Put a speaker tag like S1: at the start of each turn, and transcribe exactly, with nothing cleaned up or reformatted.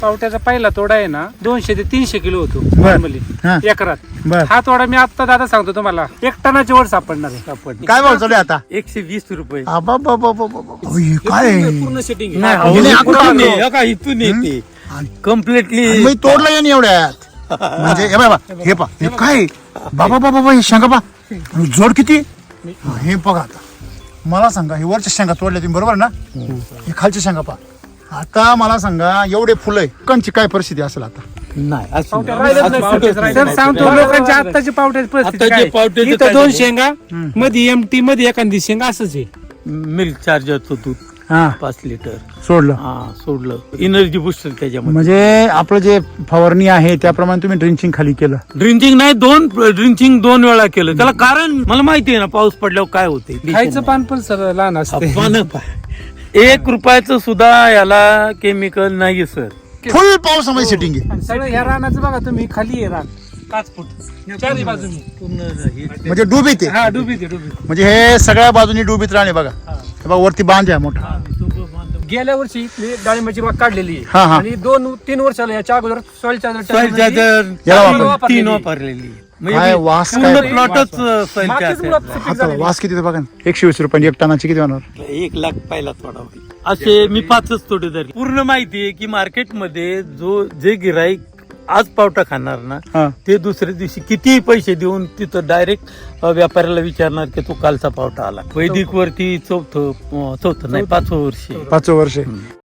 S1: पावट्याचा पहिला तोडा आहे ना दोनशे ते तीनशे किलो होतो
S2: बर.
S1: नॉर्मली
S2: हा.
S1: एकरात.
S2: बर.
S1: हा तोडा मी आता दादा सांगतो तुम्हाला एक टनाची वर सापडणार आहे. सापडणार
S2: काय भाव चालू आहे आता?
S3: एकशे वीस रुपये
S2: आबाबाबाबाबा. अहो, हे काय आहे?
S1: पूर्ण सेटिंग
S3: नाही,
S2: अहो,
S3: इथून
S2: इथून
S3: ये, का इथून येते कम्प्लिटली.
S2: आणि मी तोडलं या एवढ्यात म्हणजे हे बाबा हे पा हे काय बाबा बाबा बाबा हे शेंगा पा जोड किती हा, हे बघा आता मला सांगा हे वरच्या शेंगा तोडल्या तुम्ही बरोबर ना हे खालच्या शेंगा पा आता मला सांगा एवढे फुलं आहे कंची काय परिस्थिती असेल आता?
S3: नाही असं नाही.
S1: राहिलेच
S3: असं
S1: नाही.
S3: पावटेच
S1: सर
S3: राहिले
S1: सांगतो
S3: नाही.
S1: लोकांची आत्ताची पावट्याची परिस्थिती
S3: आत्ताची
S1: काय?
S3: पावट्याचं
S1: इथं
S3: काय
S1: दोन
S3: झालं?
S1: शेंगा मध्ये एमटी मध्ये एखादी शेंगा असंच आहे.
S3: मिल्क चार्जरचं दूध
S2: हा
S3: पाच लिटर
S2: सोडलं
S3: हा सोडलं एनर्जी बुस्टर त्याच्यामध्ये.
S2: म्हणजे आपलं जे फवारणी आहे त्याप्रमाणे तुम्ही ड्रिंचिंग खाली केलं.
S3: ड्रिंचिंग नाही दोन ड्रिंचिंग दोन वेळा केलं त्याला कारण मला माहिती आहे ना पाऊस पडल्यावर काय होते.
S1: खायचं पान पण सर लहान असते.
S3: पानं पाय. एक रुपयाचं सुद्धा याला केमिकल नाही सर.
S2: फुल पावसामध्ये सेटिंग आहे
S1: आणि सगळं ह्या रानाचं बघा तुम्ही खाली आहे रान पाच फूट चारही बाजूनी
S3: पूर्ण
S2: म्हणजे डुबीत आहे
S1: हा डुबीत आहे डुबीत.
S2: म्हणजे हे सगळ्या बाजूनी डुबीत राहणे बघा हे बघा वरती बांध आहे मोठा.
S1: गेल्या वर्षी इथली डाळिंबाची बाग काढलेली
S2: हा, हा.
S1: आहे आणि दोन तीन वर्षाला याच्या अगोदर सॉइल
S3: सॉइल चार्जर
S2: याला वापरली.
S3: तीन वापरलेली
S2: काय वास
S3: पूर्ण
S2: काय?
S3: प्लॉटच सॉइल
S2: आता वास किती ते बघा ना. एकशे वीस रुपये एक टनाची किती होणार?
S3: एक लाख पहिला थोडा होईल असे मी पाचच तोडे धरले. पूर्ण माहिती आहे की मार्केटमध्ये जो जे गिराईक आज पावटा खाणार ना
S2: हा.
S3: ते दुसऱ्या दिवशी कितीही पैसे देऊन तिथं डायरेक्ट व्यापाऱ्याला विचारणार की तो कालचा पावटा आला. वैदिक वरती चौथं अं, चौथं नाही पाचवं वर्ष आहे.
S2: पाच वर्ष